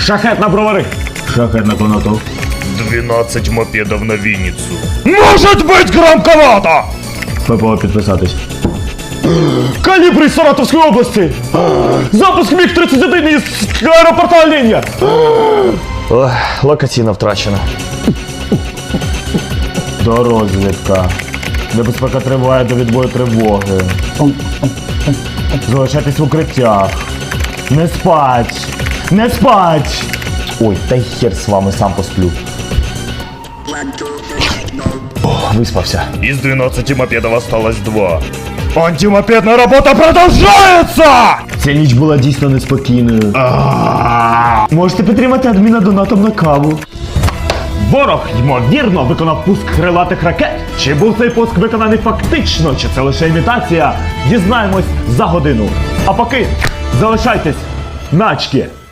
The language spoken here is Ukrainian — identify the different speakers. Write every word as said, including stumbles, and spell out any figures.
Speaker 1: Шахет на бровари. Шахет на коноту.
Speaker 2: двенадцать мопедов на Винницу.
Speaker 1: Может быть громковато! ППО підписатись. Калібр із Саратовської області! Запуск міг тридцять один із аеропорта Оленя!
Speaker 2: Локаційно втрачено.
Speaker 1: Дорозвідка. Небезпека триває до відбою тривоги. Залишайтесь в укриттях. Не спать! Не спать! Ой, та й хер з вами, сам посплю. О, виспався.
Speaker 2: Из двенадцати мопедов осталось два.
Speaker 1: Антимопедная работа продовжується! Ця ніч була дійсно неспокійною. Можете підтримати адміна донатом на каву. Ворог, ймовірно, виконав пуск крилатих ракет. Чи був цей пуск виконаний фактично, чи це лише імітація? Дізнаємось за годину. А поки залишайтесь на очки.